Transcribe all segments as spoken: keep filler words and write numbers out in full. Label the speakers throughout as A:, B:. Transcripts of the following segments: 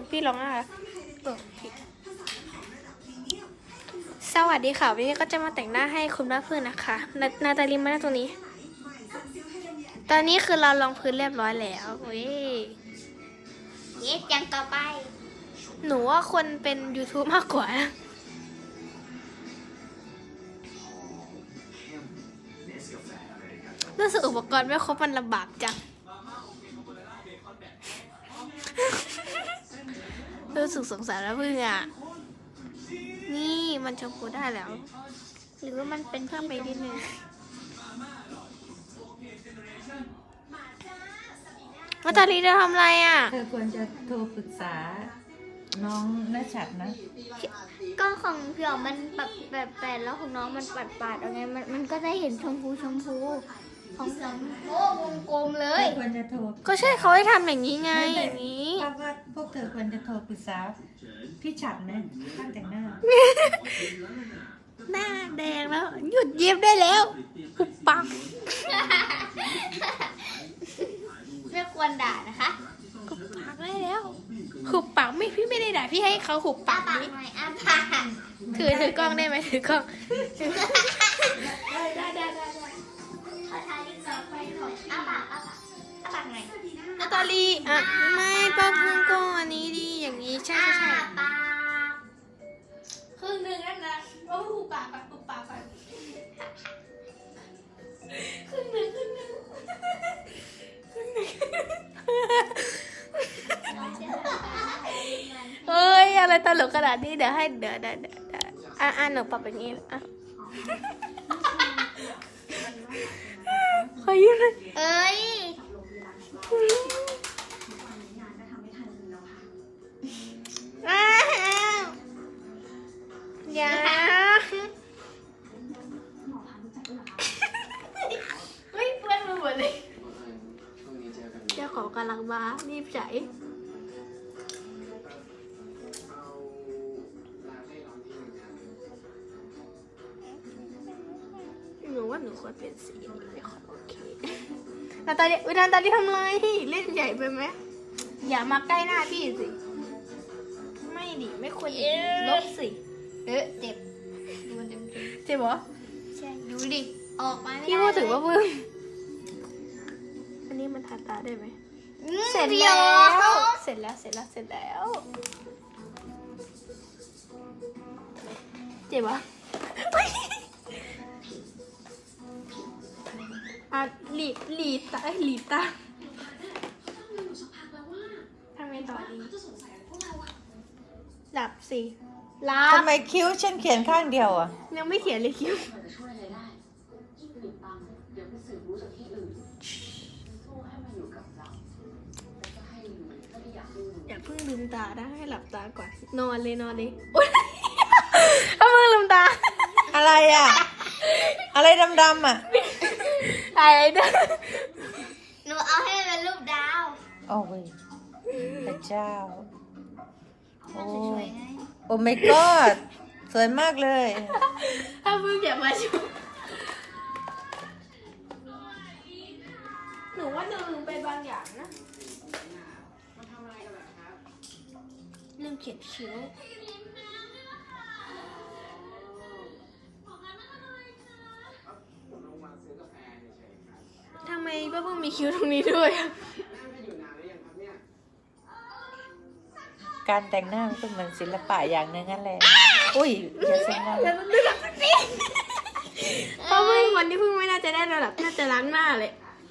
A: พี่ร้องอะไรสวัสดีค่ะวันนี้ก็จะมาแต่งหน้าให้คุณแม่เพื่อนนะคะนานาตาลีมาหน้าตรงนี้ตอนนี้คือเราลองพื้นเรียบร้อยแล้วเว้ย
B: เย็ดอย่างต่อไป
A: หนูว่าคนเป็น YouTube มากกว่านะรู้สึกอุปกรณ์ไม่ครบมันลำบากจังรู้สึกสงสารแล้วเพื่อนอ่ะนี่มันชมพูได้แล้วหรือว่ามันเป็นเพิ่มไปนิดนึงว่าตาลีจะทำอะไรอ่ะ
C: เธอควรจะโทรปรึกษาน้องน่าชัดนะ
B: ก็ของพี่อ๋อมันแบบแบบแปดแล้วของน้องมันปัดปาดๆเอาไงมันมันก็ได้เห็นชมพูชมพูของพี่อ๋อโอ้วงกลมเล
C: เธ
B: ย
C: อควรจะโทร
A: ก็ใช่เขาให้ทำอย่างนี้ไงอย่างนี้
C: เพราะว่าพวกเธอควรจะโทรปรึกษาพี่ฉัดนะช่างแต่งหน้า
A: หน้าแดงแล้วหยุดยิ้มได้แล้วหุบปาก
B: ไม่ควรด่านะคะ
A: หุบปากได้แล้วหุบปากไม่พี่ไม่ได้ด่าพี่ให้เขาหุบ
B: อ้า
A: ปาก
B: ปาก
A: นี้
B: หน่อยอ้าปาก
A: ถือถือกล้องได้ไหมถือกล้องได้ได้ได้ได้
B: ขอทาลิปสติกไปหน่อยอ้าปากอ้าปากอ้าปากหน่อย
A: นาตาลีอ่ะไม่ป้าพึ่งก็อันนี้ดีอย่างนี้ใช่
B: อ้า
A: ใช่
B: ปาก
A: ครึ่งหนึ่งนั่นนะโอ้หุบปากแบบหุบปากแบบครึ่งหนึ่งครึ่งหนึ่งครึ่งหนึ่งเฮ้ยอะไรตลกขนาดนี้เดี๋ยวให้เดี๋ยวเดี๋ยวเดี๋ยวอ่ะอ่ะหนูปรับอย่างนี้อ่ะขอยืมเลย
B: เอ้ย
A: อ้าวอย่าเฮ้ยเพื่อนมาหมดเลยเจ้าของกำลังมารีบใจหนูว่าหนูควรเป็นสีนี้ไม่ค่อยโอเคนาตาลีอุ๊ยนาตาลีทำไรเล่นใหญ่ไปไหมอย่ามาใกล้หน้าพี่สิไม่ดิไม่ควรลบสิ
B: เออเจ็บดูมันเต็ม
A: เจ็บเหรอ
B: ๆใช่ดูดิออกมาไม่ได้
A: พี่พูดถึงว่าพึ่งอันนี้มันทาตาได้ไหม
B: อืม
A: เสร็จ
B: พี่
A: แล้
B: อ๋อ
A: วเสร็จแล้วเสร็จแล้วเสร็จแล้วเจ็บปะอ่ะหลีบหลีบตาหลีบตาทำไงต่อดีหลับสิหลับ
C: ทำไมคิ้วฉันเขียนข้างเดียวอ่ะ
A: ยังไม่เขียนเลยคิ้วอย่าเพิ่งลืมตาได้ให้หลับตาก่อนนอนเลยนอนเลยอุ๊ยถ้าเพิ่งลืมตา
C: อะไรอ่ะ อะไรดำๆอ่ะ
A: อะไรเด้อ
B: หนูเอาให้มันเป็นรูปดาว
C: โอ้ยพระเจ้า โอ้
B: สวยๆไง
C: โอ้ my god สวยมากเลย
A: ถ้าเพิ่งอย่ามาชุบหนูว่าหนูลืมไปบางอย่างนะลืมเขียนคิ้วทำไมป้าเพิ่งมีคิ้วตรงนี้ด้วยอะ
C: การแต่งหน้ามันก็เหมือนศิลปะอย่างหนึงนั่นแหละ อุ้ยอย่าเสียงดัง
A: เพราะเพิ่งวันที่เพิ่งไม่น่าจะได้ระดับน่าจะล้างหน้าเลย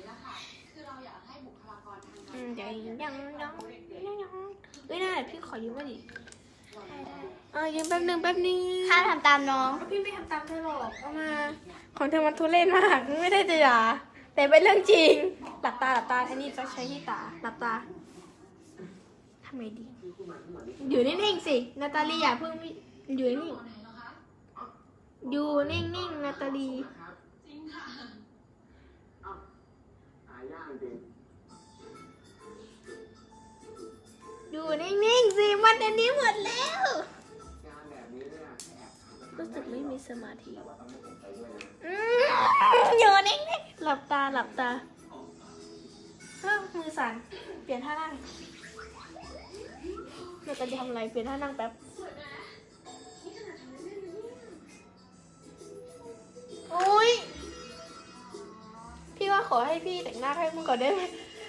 A: อืมเดี๋ยวยังยังยังยังยังเฮ้ยได้พี่ขอยืมมาดิเออยืมแป๊บนึงแป๊บนึง
B: ห้ามทำตามน้อง
A: พี่ไม่ทำตามเธอหรอกเอามาของเธอมันทุเรศมากไม่ได้จะด่าแต่เป็นเรื่องจริงหลับตาหลับตาอันนี้จะใช้ที่ตาหลับตาทำไงดีอยู่นิ่งๆสินาตาลีอย่าเพิ่งอยู่นิ่งอยู่นิ่งๆนาตาลีอยู่นิ่งๆสิมันอันนี้หมดแล้วรู้สึกไม่มีสมาธิอืมอยู่นิ่งๆหลับตาหลับตาเฮ้ยมือสั่นเปลี่ยนท่านั่งกันจะทำอะไรเปลี่ยนท่านั่งแป๊บโอ้ยพี่ว่าขอให้พี่แต่งหน้าให้มึงก่อนได้ไหม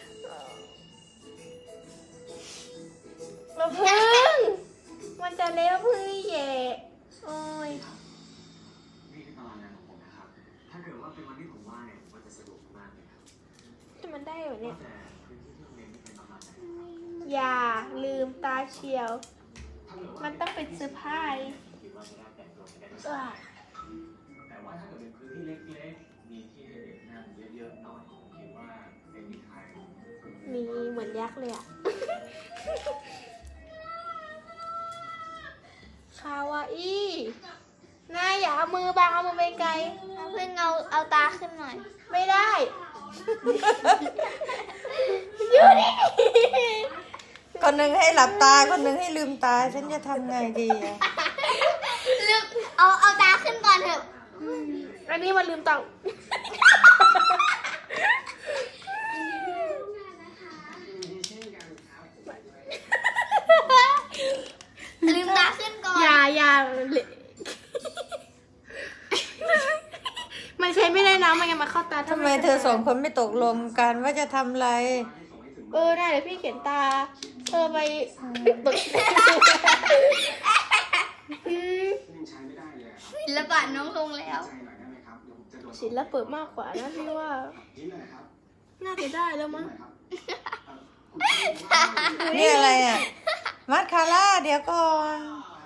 A: เราพึ่งมันจะเลี้ยวพึ่งนี่แย่โอ้ย
D: นี่คือตารางงานของผมนะครับ ถ้าเกิดว่าเป็นวันที่ผมว่างเนี่ยมันจะสะดวกมากเลยครับ
A: จะมันได้เหรอเนี่ย
D: แต่พื้นที่ที่โรงเรียนนี่เป็นประมาณไหนครับ
A: อย่าลืมตาเชียว
D: ถ้าเกิดว่า
A: มันต้องเป็นเซอร์ไพรส์
D: คิดว่าจะได้แต่งตัวกันได้
A: อ่ะ
D: แต่ว่าถ้าเกิดเป็นพื้นที่เล็กๆ มีที่ให้เด็กนั่งเยอะๆหน่อยผมคิดว่าเป็นที่ไทย
A: มีเหมือนยักษ์เลยอ่ะ คาวาอี้นายอย่าเอามือบังเอามือไปไกล
B: น้ำพึ่งเอาเอาตาขึ้นหน่อย
A: ไม่ได้ อยู่นี่
C: คนหนึ่งให้หลับตา คนหนึ่งให้ลืมตา ฉันจะทำไงดีอะ
B: ลืมเอาเอาตาขึ้นก่อนเถอะ
A: อันนี้มันลืมตา
B: ลืมตาขึ้นก่อน
A: อย่าอย่ามันใช้ไม่ได้นะมันยังมาเข้าตา
C: ทำไมเธอสองคนไม่ตกลงกันว่าจะทำอะไร
A: เออได้เดี๋ยวพี่เขียนตา เธอไปบึกอืม
D: ยังใช้ไม่ได้เลยครับ
B: ศิลปะน้องลงแล้ว
D: ใจหน่อยได้ไหมครับ เดี๋ยวผมจะโดน
A: ศิลปะมากกว่านะพี่ว่า
D: นี่เลยครับ
A: น่าจะได้แล้วมั้ง
C: นี่อะไรอ่ะ มัสคาร่าเดี๋ยวก่อน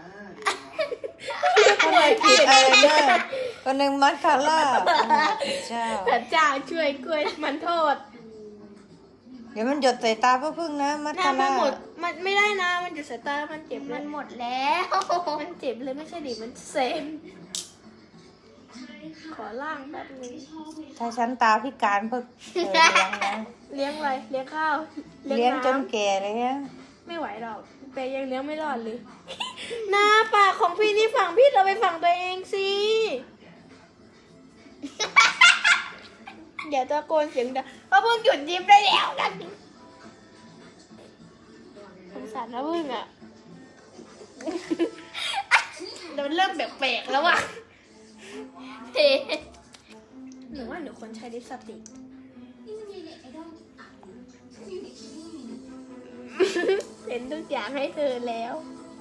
C: ทำไมผิดอะไรเนี่ยคนหนึ่งมัสคาร่าเจ้า
A: พระเจ้าช่วยกล้วยมันโทษ
C: เดี๋ยวมันหยดใส่ตาพ่อพึ่งนะ มัส
A: ถ้า
C: คา
A: มั
C: ร่าน
A: หมดมันไม่ได้นะ มันจะสายตา มันเจ็บเล
B: มั
A: ย
B: นหมดแล้ว
A: มันเจ็บเลยไม่ใช่ดิมันเซมขอล่างแป๊บนึง
C: ถ้าฉันตาพิการเพิ่งเออเลี้ยงนะ
A: เลี้ยงอะไรเลี้ยงข้าว
C: เลี้ยงจน
A: น้ำ
C: แก่เลยฮะ
A: ไม่ไหวหรอกแต่ยังเลี้ยงไม่รอดเลย หน้าปากของพี่นี่ฝั่งพี่เราไปฝั่งตัวเองสิเดี๋ยวตะโกนเสียงดังว่าเพิ่งหยุดยิ้มได้แล้วนะสงสารนะเพิ่งอ่ะเดี๋ยวมันเริ่มแปลกๆแล้วอ่ะ
B: เฮ้
A: หนูว่าหนูควรใช้ลิปสติกเป็นทุกอย่างให้เธอแล้ว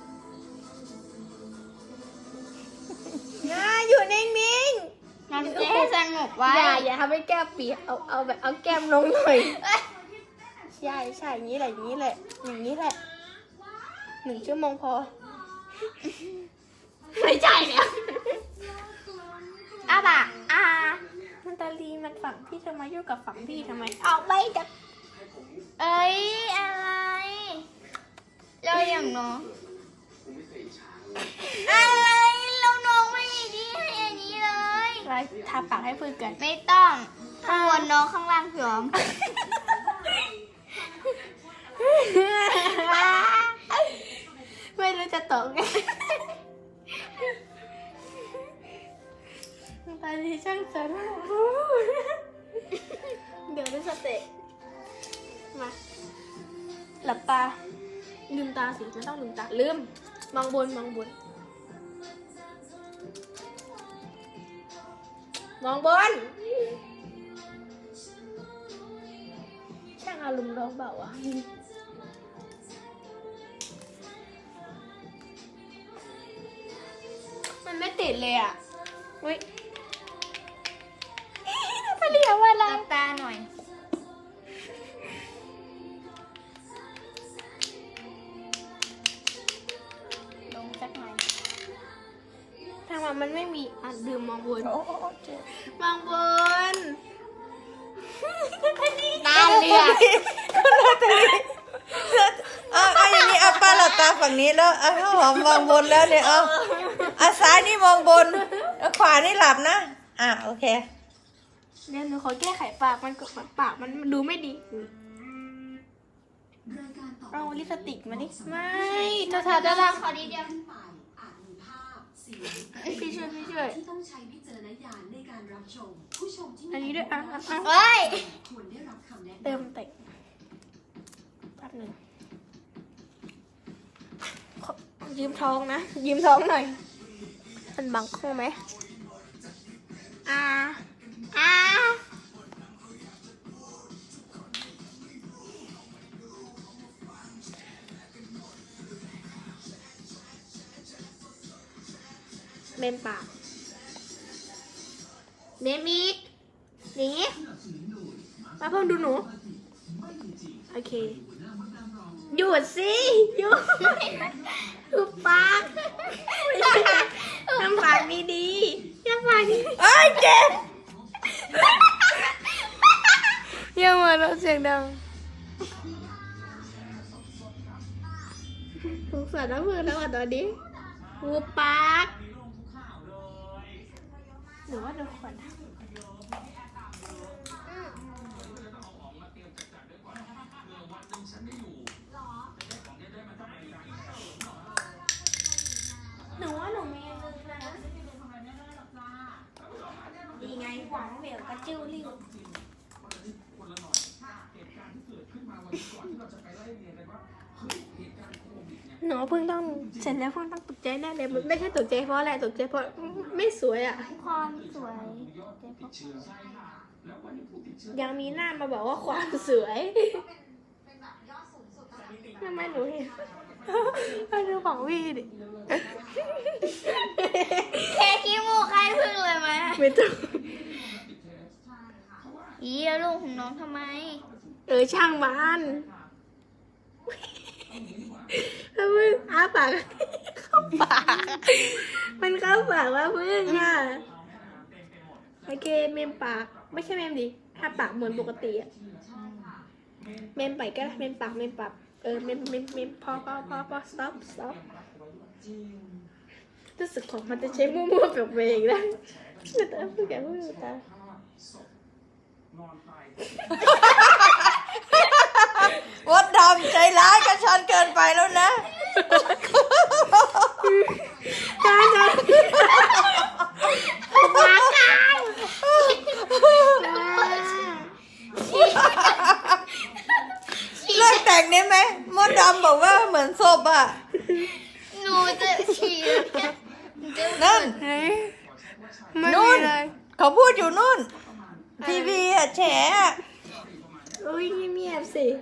A: นะอยู่นิ่งๆ
B: น้ำเจ๊สงบไว้
A: อย่าอย่าทำให้แก้มเปียกเอาเอาแบบเอาแก้มลงหน่อย ใช่ใช่อย่างนี้แหละอย่างนี้แหละอย่างนี้แหละหนึ่งชั่วโมงพอ ไม่ใช่เนี่ย
B: อาบะอา
A: มันตาลีมันฝั่งพี่ทำไมยุ่งกับฝั่งพี่ทำไมเอาไปจาก
B: เอ้ยอะไรเราอย่างน้องอะไรเราน้องไม่มีที่ให้อันนี้เลย
A: อะไรทาปากให้เพื่อนกัน
B: ไม่ต้องข้างบนน้องข้างล่างพี่หอม
A: ไม่รู้จะตกไงตาลีช่างสนเดี๋ยวดูสเต็ปมาหลับตาลืมตาสิมันต้องลืมตาลืมมองบนมองบนมองบนช่างอารมณ์ร้องเบาอ่ะมันไม่ติดเลยอ่ะอุ้ยถ้าเรียกว่าอะไร
B: หลับตาหน่อย ลงสักหน่อย
A: ทางมันมันไม่มีอ่ะดื่มมองบน
C: โอ้โอ้โอ้เจ็บ
A: มองบน
B: ตาเหลือก
C: เอาเอาอย่างนี้เอาป้าหลับตาฝั่งนี้แล้วเอาข้าวหอมมองบนแล้วเนี่ยเอาเอาซ้ายนี่มองบนเอาขวานี่หลับนะ อ่ะโอเค
A: เดี๋ยวหนูขอแก้ไขปากมันกปากมันดูไม่ดีเอาลิปสติกมาดิไม่เธอทาด้านล่าง
B: ขอดีเดียว
E: อาจมีภาพเสียง
A: พี่ช่วยพี่ช่วย
E: ที่ต้องใช้วิจารณญาณในการรับชม ผู้ชมที่
A: อันนี้ด้วยอ่ะอ่ะอ่ะ
B: เฮ้ย
E: ควรได้รับคำแนะนำ
A: เติมเตะแป๊บหนึ่งยืมท้องนะ ยืมท้องหน่อย มันบังคงไหมอ่าอ่าเมมปากเมมอีกหนีมาเพิ่มดูหนู โอเค หยุดสิหยุดหุบปากทำปากดีๆทำปากดี
C: เอ้ยเจ็บ
A: ๆอย่ามาเราเสียงดังสงสารน้ำมือแล้วอ่ะตอนนี้หุบปากหรือว่าเราควรทำหนูว่าหนูมีมือนะดีไงหวังเหวกระจิ้วริ้วหนูเพิ่งต้องเสร็จแล้วเพิ่งต้องตกใจแน่เลยมันไม่ใช่ตกใจเพราะอะไรตกใจเพราะไม่สวยอ่ะ
B: ความสวย
A: ยังมีหน้ามาบอกว่าความสวยทำไมหนูเห็นมาดูของพี่ดิ
B: แค่ขี้มูกใครพึ่งเลยไหม
A: ไม่ต้อง
B: อีแล้วลูกของน้องทำไม
A: เออช่างมันถ้ามึงอ้าปากเข้าปากมันเข้าปากว่าพึ่งอ่ะโอเคเมมปากไม่ใช่เมมดิถ้าปากเหมือนปกติอะเมมไปก็ได้เมมปากเมมปากเออเมมเมมเมมพอพอพอพอ stop stop รู้สึกของมันจะใช้มั่วๆแบบเองนะแต่ตาพูดแกพูดตา
C: วัดดำใจร้ายกับฉันเกินไปแล้วนะ
A: จ้าจ้ามากัน
C: เลิกแต่งได้ไหมมดดำบอกว่าเหมือนศพอ่ะ
B: หนูจะฉี่แล้ว
C: นั่น
A: เฮ้ยไม่
C: นู่
A: มี
C: น
A: เลย
C: เขาพูดอยู่นู่น ทีวีอ่ะแฉอะ
A: อุ้ยเงียบๆสิ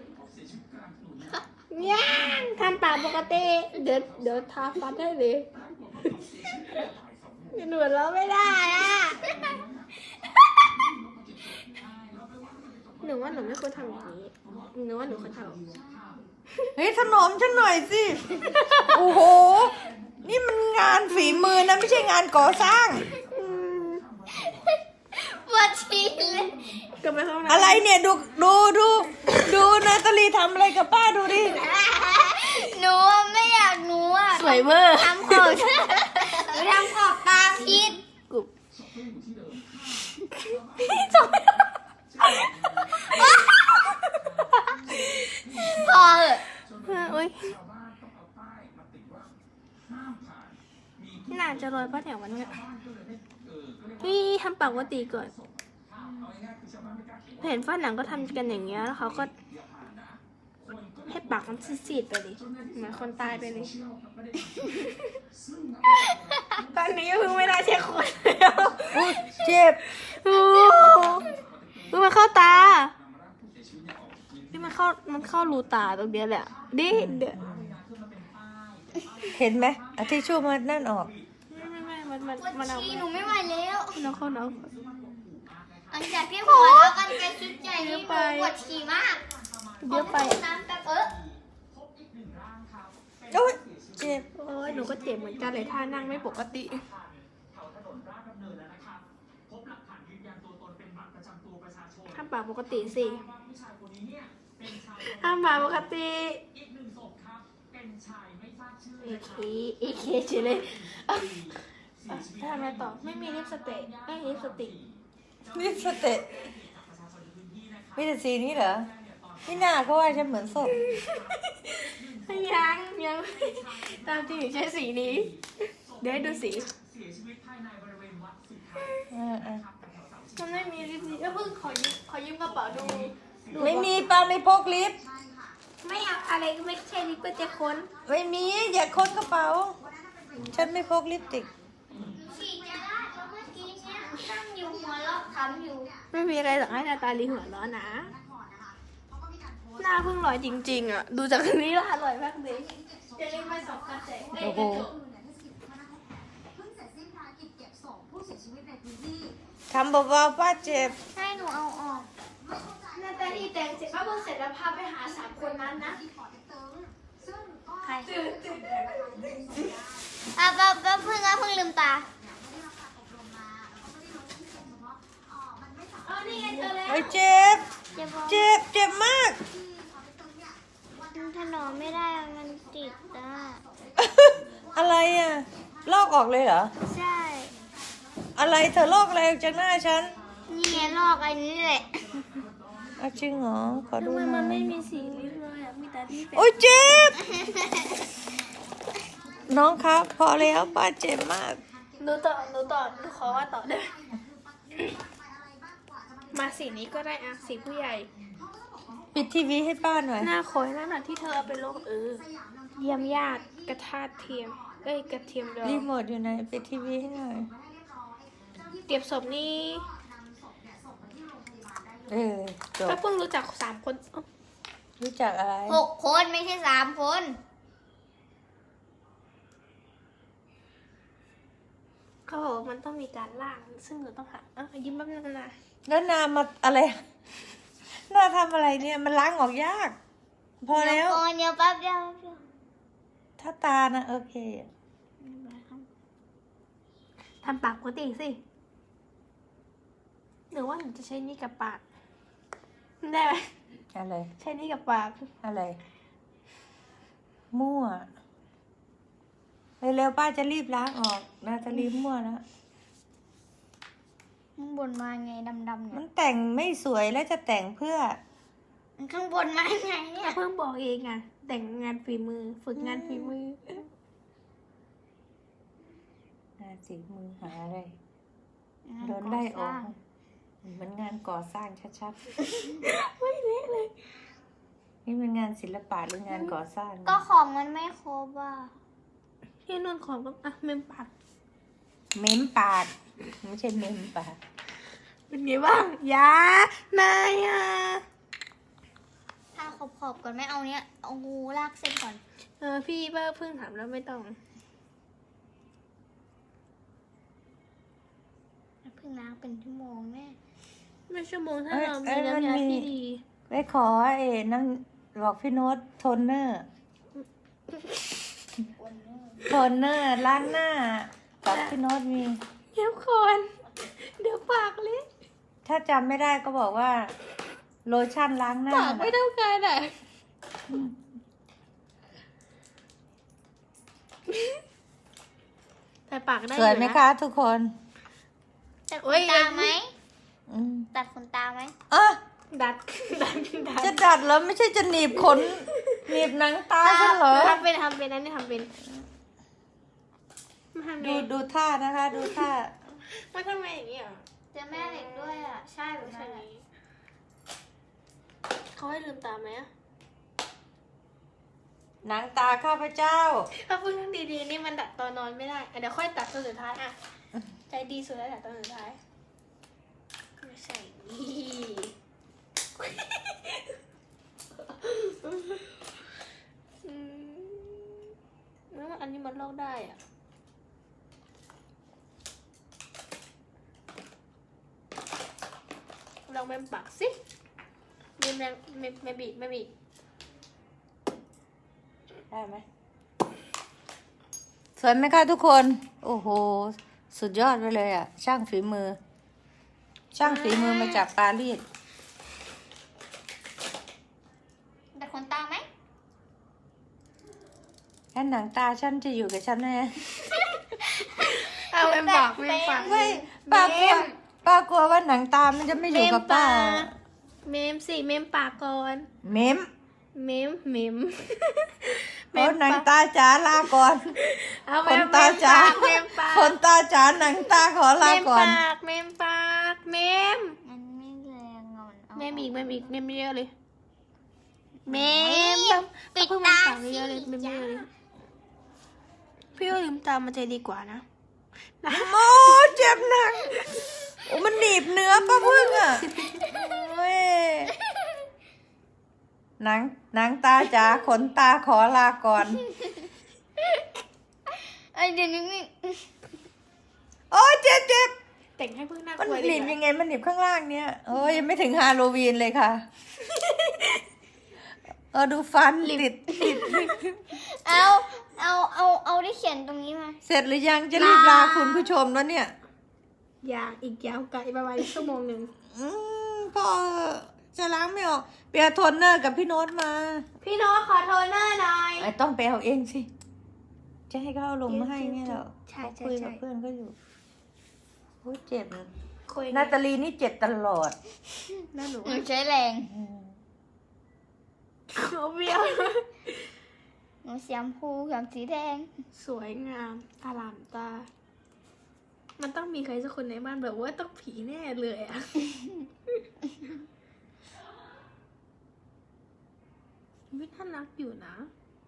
A: ย่างทำปากปกติเดี๋ยวเดี๋ยวทาฟันให้เลยหนูเราไม่ได้อ่ะหนูว่าหนูไม่ควรทำอย่างนี้หนูว่าหนูควรทำอย่างนี้
C: เฮ้ยถนอมฉันหน่อยสิ โอ้โห นี่มันงานฝีมือนะไม่ใช่งานก่อสร้าง
A: อืม
B: ปวดฉี่เลย
A: กลับไปห้องน้ำ
C: อะไรเนี่ยดูดูดูดูนาตาลีทำอะไรกับป้าดูดิ
B: หนูไม่อยากหนูอ่ะ
A: สวยเวอร์
B: ทำขอบหนูทำขอบตาพิษ
A: กุบ
B: พอเหอะ
A: โอ๊ยน่าจะโรยป้าแถววันเนี้ยนี่ทำปากว่าตีก่อนเห็นฝ้าหนังก็ทำกันอย่างเงี้ยแล้วเขาก็ให้ปากมันซีดๆไปเลยเหมือนคนตายไปเลย ตอนนี้ก็เพิ่งไม่ได้เช็คคนแล้ว
C: อุ๊ยเจ็บ
A: โอ้เพิ่งมันเข้าตานี่มันเข้ามันเข้ารูตาตรงเนี้ยแหละดิเดี๋ยว
C: เห็นไหมเอาทิชชู่มานั่นออก
A: ไม่ไม่ไม่มันมัน
B: ปวด
A: มันเอา
B: ฉี่หนูไม่ไหวแล้ว
A: มันเอาเข้าน้อง
B: หลังจากที่หัวแล้วกันไปชุดใหญ่นี่หนูปวดฉี่มาก
A: เยอะไป
B: ขน้ำแบบเออ
C: โอ๊ยเจ็บ
A: โอ้ยหนูก็เจ็บเหมือนกันเลยท่านั่งไม่ปกติทำปากปกติสิทำปากปกติเอเคเอเคเฉยเลยอ่ะทำอะไรต่อไม่มีลิปสติกไม่มีลิปสติก
C: ลิปสติกมีแต่สีนี้เหรอพี่หน้าเขาว่าฉันเหมือนศพ
A: ยังยังตามจริงหนูใช้สีนี้ เดี๋ยวให้ดูสี
C: อ่าอ่า
A: มันไม่มีลิปสติกแล้วเพิ่งขอยืมขอยืมกระเป๋าดูดู
C: ไม่มีป้าไม่พกลิป
A: ไม่เอาอะไรก็ไม่ใช่ลิปก็จะค้น
C: ไม่มีอย่าค้นกระเป๋า ฉันไม่พกลิปสติก
B: ฉีดยาลาดแล้วเมื่อกี้เนี่ยนั่งอยู่หัวเราะขำอยู่
A: ไม่มีอะไรหรอกให้นาตาลีหัวเร้อนนะ หน้าเพิ่งลอยจริงๆอ่ะ ดูจากนี้แล้วอร่อยมากเลยจะเล่นไปสองกระแส
C: โอ้โห
E: เพิ่งเสร็จสิ้นภารกิจเก็บศพผู้เสียชีวิตในพื้นที่
C: ทำเบาๆป้าเจ็บ
B: ให้หนูเอาออก
A: นาตาลีแต่งเสร็จป้าเพิ่งเสร็จแล้วพาไปหาสามคนนั้นนะ
E: ที่ปอเต็กตึงซึ่งก็
B: ใครอ่ะป้าป้าเพิ่งอ่ะเพิ่งลืมตา
A: อ๋อนี่ไงเจอแล้ว
C: โอ้ยเจ็บ
B: จะบอก
C: เจ็บ เจ็บมาก
B: มันถนอมไม่ได้อะมันติดอ่ะ
C: อะไรอ่ะ ลอกออกเลยเหรอ
B: ใช่
C: อะไรเธอลอกอะไรออกจากหน้าฉัน
B: นี่ไงลอกอันนี้แหละ
C: เอาจริงเหรอ ขอดู
A: ทำไม
C: หน่
A: มั
C: อน
A: ไม่
C: ย
A: มีสีลิปเลยอ่ะ มีแต่ที่เป็น
C: โอ้ยเจ็บ น้องครับ พอแล้วป้าเจ็บมาก
A: หนูต่อหนูต่อหนูขอว่าต่อได้ไหมมาสีนี้ก็ได้อ่ะ สีผู้ใหญ่
C: ปิดทีวีให้ป้าหน่อย
A: หน้าคอยนั่นน่ะที่เธอเอาไปลงเออ เยี่ยมญาติกระทาเทียม เอ้ยกระเทียมดอง
C: รีโมทอยู่ไหน ปิดทีวีให้หน่อย
A: เตรียมศพนี่
C: เออ จบ
A: ก็เพิ่งรู้จักสามคนเอ้า
C: รู้จักอะไร
B: หกคนไม่ใช่สามคน
A: เขาบอกว่ามันต้องมีการล่าง ซึ่งหนูต้องหาอ่ะยิ้มแป๊บนึงนะ
C: แล้วนามาอะไร นาทำอะไรเนี่ย มันล้างออกยาก พอแล้ว
B: เดี๋ยก่อนเดี๋ยวแป๊บเดียวแป๊บเดียว
C: ถ้าตานะโอเค
A: ทำปากปกติสิหรือว่าหนูจะใช้นี่กับปาก ได้ไหม
C: อะไร
A: ใช้นี่กับปาก
C: อะไร มั่ว เร็วๆป้าจะรีบล้างออกนาจะรีบมั่วแล้ว
B: ข้างบนมาไงดำๆ
C: มั
B: เนี่ย
C: นแต่งไม่สวยแล้วจะแต่งเพื่อ
B: มันข้างบนมาไงเนี่ย
A: เพิ่งบอกเองอ่ะ แต่งงานฝีมือ ฝึกงานฝีมือ
C: งานสีมือหาอะไร โดนไล่ออกเหมือนงานก่อสร้างชัดๆ
A: ไม่เละเลย
C: นี่เป็นงานศิลปะหรืองานก่อสร้าง
B: ก็ของมันไม่ครบอ่ะ
A: พี่นุ่นของก็อ่ะเมมปาก
C: เม้มปากไม่ใช่เม้มปาก
A: เป็นไงบ้างยานายอ่ะ
B: ถ้าขอบขอบๆก่อนไม่เอาเนี้ยเอางูลากเส้นก่อน
A: เออพี่เบอร์เพิ่งถามแล้วไม่ต้อง
B: เพิ่งล้างเป็นชั่วโมงแม่
A: ไม่ชั่วโมงถ้า
C: เอ้ย
A: เรา
C: เอ้
A: มี
C: ยมัน
A: น้ำยา
C: มี
A: ที่ดี
C: ไปขอเอ๋น้ำบอกพี่โน้ตโทนเนอร์ โทนเนอร์ล้างหน้ากับพี่โน้ตมี
A: เดี๋ยวก่อนเดี๋ยวปากเละ
C: ถ้าจำไม่ได้ก็บอกว่า โลชั่นล้างหน้า
A: ปากไม่เท่ากันอ่ะแต่ปากได้
C: สวยไหม
A: อ
C: คะทุกคน
B: ตัดข
A: โอ้
B: น
A: ย
B: ตาไหม
C: อืม
B: ตัดขนตาไหม
C: อ่ะ
A: ดัดดัดดัด
C: จะดัดแล้วไม่ใช่จะหนีบขน หนีบหนังตาฉันเหรอ
A: ทำเป็นทำเป็นนั่นนี่ทำเป็นมาทำไง
C: ดูดูท่านะคะ ดูท่า
A: มาทำไงอย่างนี้อ่ะ
B: เจอแม่เหล็กด้วยอ่ะ ใช่แบบ
A: ใช่
B: นั้นอะ
A: เขาให้ลืมตาไหมอ่ะ
C: หนังตาข้าพเจ้า
A: ถ้าพูดเรื่องดีๆนี่มันดัดตอนนอนไม่ได้อ่ะเดี๋ยวค่อยตัดตอนสุดท้ายอ่ะใจดีสุดแล้วดัดตอนสุดท้ายไม่ใช่นี่อืมแล้วอันนี้มันลอกได้อ่ะลองเมมปากสิเมมแรงเมมเมมบีบเมมบีบ
C: ได้ไหมสวยไหมคะทุกคน โอ้โห สุดยอดไปเลยอ่ะ ช่างฝีมือ ช่างฝีมือมาจากปารีส
B: ตัดขนตาไหม
C: แล้วหนังตาฉันจะอยู่กับฉันแน่
A: เอาเมมปากเมมปาก
C: ไม่ป้ากลัวป้ากลัวว่าหนังตามันจะไม่อยู่กับป้า
A: เมมสิเมมปากก่อน
C: เม้ม
A: เมมเมม
C: โอ้หนังตาจ๋าลาก่อน
A: เอา
C: ข
A: เม
C: น
A: ม
C: ตาจ๋า
A: เมมปาก
C: ขนตาจ๋าหนังตาขอลาก่อน
A: เมมปากเมมปากเมม
B: มันไม่แรงอ่ะมันเอา
A: เมมอีกเมมอีกเมมเยอะเลยเมม
B: ปิด
A: เพิ่ง
B: ตา
A: มาเยอะเลยเมมเยอะเลยพี่ว่าลืมตามันจะดีกว่านะนะ
C: โอ้เจ็บหนักโอ้มันหนีบเนื้อป้าพึ่งอ่ะโอ้ยหนังหนังตาจ๋าขนตาขอลาก่อน
B: ไอเดี๋ยวนี้นี่
C: โอ้ยเจ็บเจ็บ
A: แต่งให้เพิ่งน่าก
C: มัน
A: ลัว
C: ห
A: ดี
C: นีบ
A: กว่า
C: ยังไงมันหนีบข้างล่างเนี่ยโอ้ยยังไม่ถึงฮาโลวีนเลยค่ะเออดูฟันติดติด
B: เอาเอาเอาเอาได้เขียนตรงนี้มา
C: เสร็จหรือยังจะรีบลาคุณผู้ชมแล้วเนี่ย
A: ยางอีกยาวไกลประมาณชั่วโมงหนึ่ง
C: อืมพอจะล้างไม่ออกเปียโทนเนอร์กับพี่โน้ตมา
A: พี่โน้ตขอโทนเนอร์หน่อย
C: ไอ้ต้องไปเอาเองสิ จะให้เขาเอาลงมาให้ไงเหรอ
A: ใช่
C: เขา
A: ใช่
C: คุยกับ
A: ใช่
C: เพื่อนก็อยู่โอ้ยเจ็บ
A: คุย
C: นาตาลีนี่เจ็บตลอด
A: หน้าหนู
B: หนูใช้แรง
A: เขาเบี้ยว
B: หนูสีชมพูกับสีแดง
A: สวยงามอลามตา มันต้องมีใครสักคนในบ้านแบบว่าต้องผีแน่เลยอะวิน่ารักอยู่นะ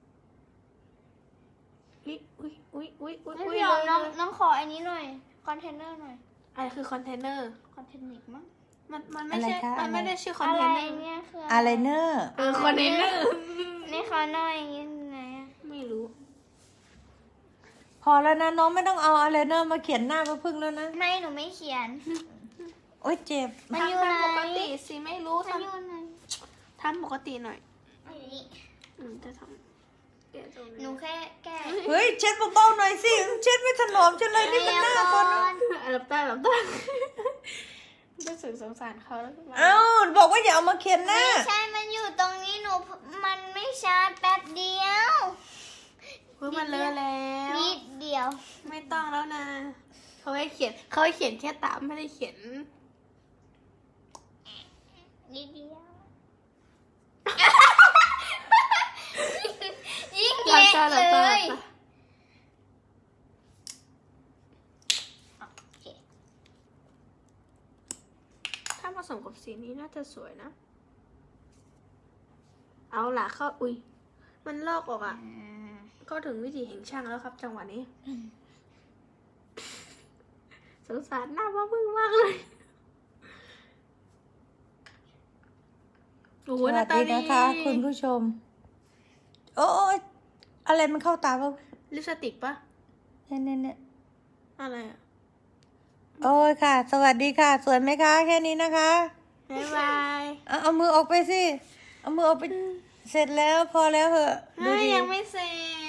A: อุ๊ยอุ๊ยอุ๊ยอุ๊ยอุ๊ย
B: ไม่
A: อุ๊ย
B: พี่หยอมน้อง
A: เลย
B: น้องขออันนี้หน่อย คอนเทนเนอร์หน่อย
A: อะไรคือคอนเทนเนอร์
B: คอนเทนเนอร์มั้ง
A: มันมันไม่ใช่
C: อะไรคะ
A: มันไม่
C: อะไร
A: ได้ชื่อคอน
B: อะ
A: เท
B: ไร
A: นเนอร์
B: เนี่ยคือ
C: อะไรเนอร์
A: เออคอนเทนเนอร์
B: นี่ขอหน่อยยังไงอะ
A: ไม่รู้
C: พอแล้วนะน้องไม่ต้องเอาอะไรเนอร์มาเขียนหน้าป้าพึ่งแล้วนะ
B: ไม่หนูไม่เขียน
C: โอ้ยเจ็บ
B: มันอยู่
A: ทำ
B: ไหน
A: ทำปกติสิไม่รู้
B: มัน
A: ท
B: อยู่ไหน
A: ำทำปกติหน่อย
B: อันนี้
A: อืมจะทำเดี๋ยวตรง
B: หนู
A: นี้
B: แค่แก้
C: เฮ้ยเช็ดเบาๆหน่อยสิเช็ดไม่ถนอมฉันเลยนี่มันหน้าคน
A: หลับตาหลับตารู้สึกสงสารเขาแล้วขึ้นมา
C: เอ้าบอกว่าอย่าเอามาเขียนหน้า
B: ไม่ใช่ มันอยู่ตรงนี้หนู มันไม่ชาร์จแป๊บเดียว
A: เพื่อมันเลอะแล้ว
B: นิดเดียว
A: ไม่ต้องแล้วนะ เขาให้เขียน เขาให้เขียนแค่ตามไม่ได้เขียน
B: นิดเดียว ยิ่ง
A: หลับ
B: เล็ก
A: ตาหลับ
B: เล
A: ตาหลั
B: ย
A: บตา
B: โอเค
A: ถ้าผสมกับสีนี้น่าจะสวยนะ เอาล่ะเข้าอุ้ย มันลอกออกอ่ะ ก็ถึงวิธีแห่งช่างแล้วครับ จังหวะนี้ สงสารหน้าพ่อพึ่งมากเลยโอ้โห
C: ส
A: ห
C: วั
A: น้า
C: ส
A: ตา
C: ดี
A: ดี
C: นะคะ คุณผู้ชม โอ้ยอะไรมันเข้าตาป่ะ
A: ลิปสติกปะ
C: เนี่ยเนี่ยเนี่ย
A: อะไรอ่ะ
C: โอ้ยค่ะ สวัสดีค่ะ สวยไหมคะ แค่นี้นะคะ
A: บ๊ายบาย
C: เอาเอามือออกไปสิ เอามือออกไป เสร็จแล้วพอแล้วเหอะ ดู
A: เฮ้ย
C: ดิ
A: ยังไม่เสร็จ